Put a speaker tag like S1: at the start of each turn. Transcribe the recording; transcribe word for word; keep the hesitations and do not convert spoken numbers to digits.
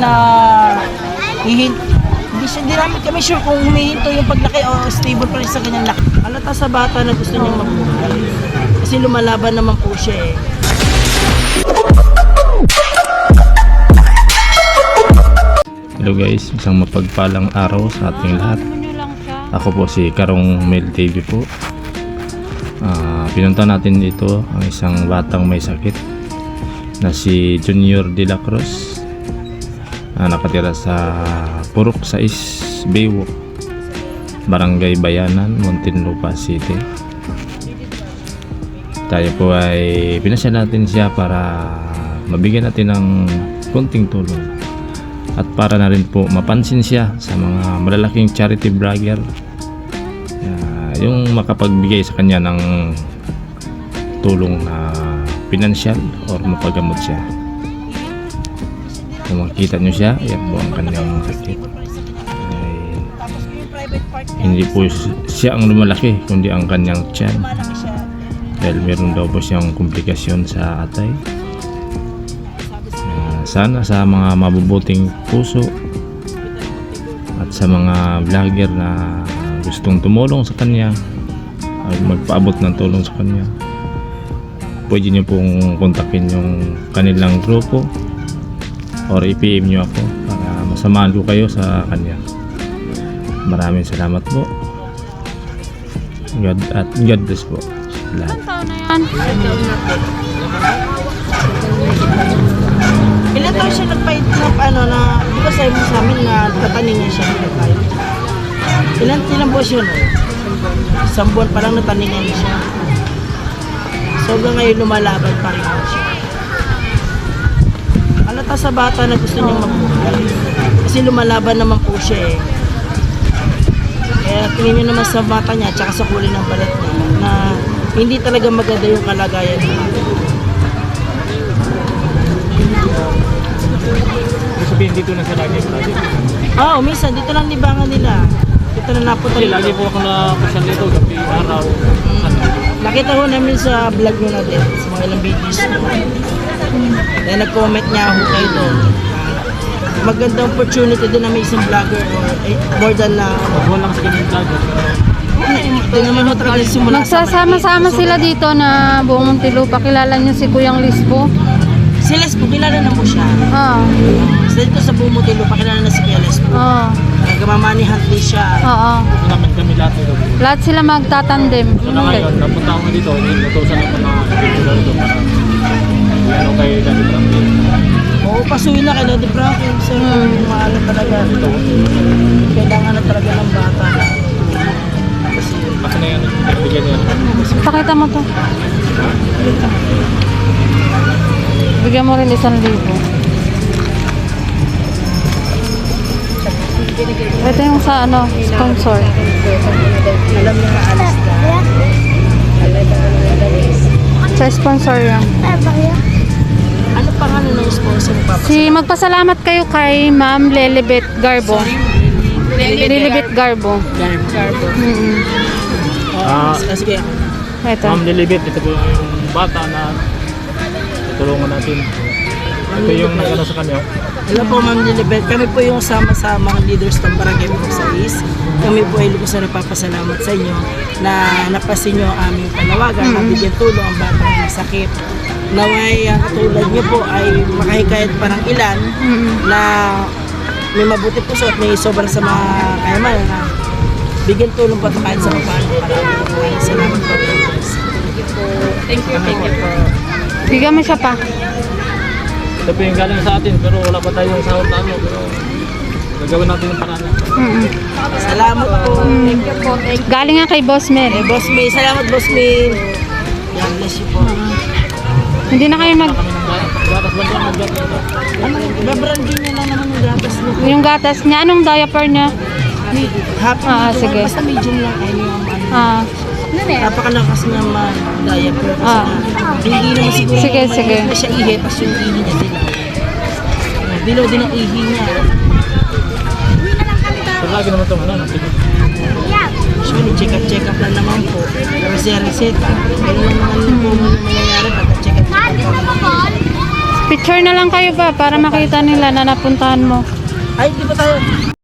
S1: na hihin, hindi siya, hindi namin kami sure kung humihinto yung paglaki o stable pa rin sa kanyang laki. Halata sa bata na gusto niyang mabuhay. Kasi lumalaban naman po siya eh.
S2: Hello guys, isang mapagpalang araw sa ating lahat. Ako po si Karong Mel T V po. Uh, pinunta natin dito ang isang batang may sakit na si Junior De La Cruz, uh, nakatira sa Purok sais Baywalk, Barangay Bayanan, Muntinlupa City. Tayo po ay pinasya natin siya para mabigyan natin ng konting tulong at para na rin po mapansin siya sa mga malalaking charity vlogger, uh, yung makapagbigay sa kanya ng tulong na pinansyal or mapagamot siya. Kung makikita nyo siya, yan po ang kanyang sakit. Ay, hindi po siya ang lumalaki kundi ang kanyang tiyan, dahil meron daw po siyang komplikasyon sa atay. Sana sa mga mabubuting puso at sa mga vlogger na gustong tumulong sa kanya ay magpaabot ng tulong sa kanya, pwede nyo pong kontakin yung kanilang grupo or i-P M nyo ako para masamahan ko kayo sa kanya. Maraming salamat po. God at God bless po lahat.
S1: Ilan taon siya nagpahit na ano na, di ba sabi mo sa amin na tataningan siya ng tayo? Ilan, ilan po siya no? Isang buwan pa lang nataningan siya. So hanggang ngayon lumalaban pa rin siya. Halata sa bata na gusto niyang mabuhay. Kasi lumalaban naman po siya eh. Kaya tingin niyo naman sa bata niya tsaka sa kulay ng balat niya na hindi talaga maganda yung kalagayan niya.
S2: Sabihin dito na sa lagi lagi.
S1: Oo, oh, minsan dito lang libangan nila. Dito na napunta.
S2: Kasi lagi po ako na-kusyan dito gabi, araw.
S1: Mm. Nakita ko namin sa vlog nyo na din, sa mga ilang videos nyo. Then nag-comment niya ako kayo doon. Magandang opportunity din na may isang vlogger or eh, more than na...
S2: Huwag lang sa ganyan vlogger.
S1: Ito naman ho talaga simula.
S3: Magsasama-sama sila dito na buong Muntinlupa. Kilala niyo si Kuyang Lispo?
S1: Si Lespo, kilala na mo siya.
S3: Oo.
S1: So dito sa buong Muntinlupa, kilala na si Kuya Lespo.
S3: Oo.
S1: Nagmamanihan din siya.
S3: Oo.
S2: Naman kami lahat dito.
S3: Lahat sila magtatandem.
S2: So na ngayon, napunta ako dito, inutusan ako ng dito dito para ano kay Daddy Frankie.
S1: Oo, pasuhin na kay Daddy Frankie. So,
S3: Hmm.
S1: maaala talaga ito. Kailangan na talaga ng bata.
S2: Kasi na yan, nagbigyan niya.
S3: Pakita mo to. Bigyan mo rin isang libo. Ito yung sa ano, sponsor.
S1: Alam niya na alis na.
S3: Sa sponsor yan.
S1: Ano pangalan ng sponsor pa?
S3: Si magpasalamat kayo kay Ma'am Lelibet Garbo. Lelibet Garbo.
S1: Garbo.
S3: Mm-hmm.
S2: Ah,
S1: Sige.
S3: Ito.
S2: Ma'am Lilibet, ito po yung bata na tutulungan natin. Ito yung nagano sa kanya.
S1: Hello po Ma'am Lilibet. Kami po yung sama-samang leaders ng Barangay Purok-sais. Kami po ay lubos na nagpapasalamat sa inyo na napasin nyo ang aming panawagan na bigyan tulong ang batang may sakit. Naway ang katulad nyo po ay makahikayat parang ilan na may mabuti puso at may sobrang sa mga kayaman na bigyan tulong pa kahit sa paano para maraming salamat po. Thank you, thank you po.
S3: Bigyan mo siya pa.
S2: Ito po yung galing sa atin, pero wala pa tayong sahod na ano, pero gagawin natin yung paraan.
S3: Mm-hmm.
S1: Salamat po. Thank you po. Thank you.
S3: Galing nga kay Boss Mel.
S1: Eh, Boss May. Salamat, Boss May. God bless you po.
S3: Hindi na kayo mag...
S2: Kami ng gatas ba dyan, mag-gatas ito.
S1: Ano, babrandin niya lang naman yung gatas niya.
S3: Yung gatas niya, anong diaper niya?
S1: Happy
S3: Ah,
S1: medium.
S3: sige.
S1: Basta medium lang. Ayun yung ano.
S3: Ah,
S1: Napakalakas na ma-diaper. Kasi
S3: Ah.
S1: hindi naman siguro
S3: Sige,
S1: may-
S3: sige.
S1: may siya ihi, tapos yung ihi niya dilaw. Dilaw din ang ihi niya.
S2: Pero lagi naman ito, ano, sige.
S1: Usually, check-up, check-up lang naman po. Pero siya reseta. Pero yung mga ano po, mangyayari pag check-up, check-up.
S3: Picture na lang kayo ba para makita nila na napuntahan mo.
S1: Ay, di ba tayo?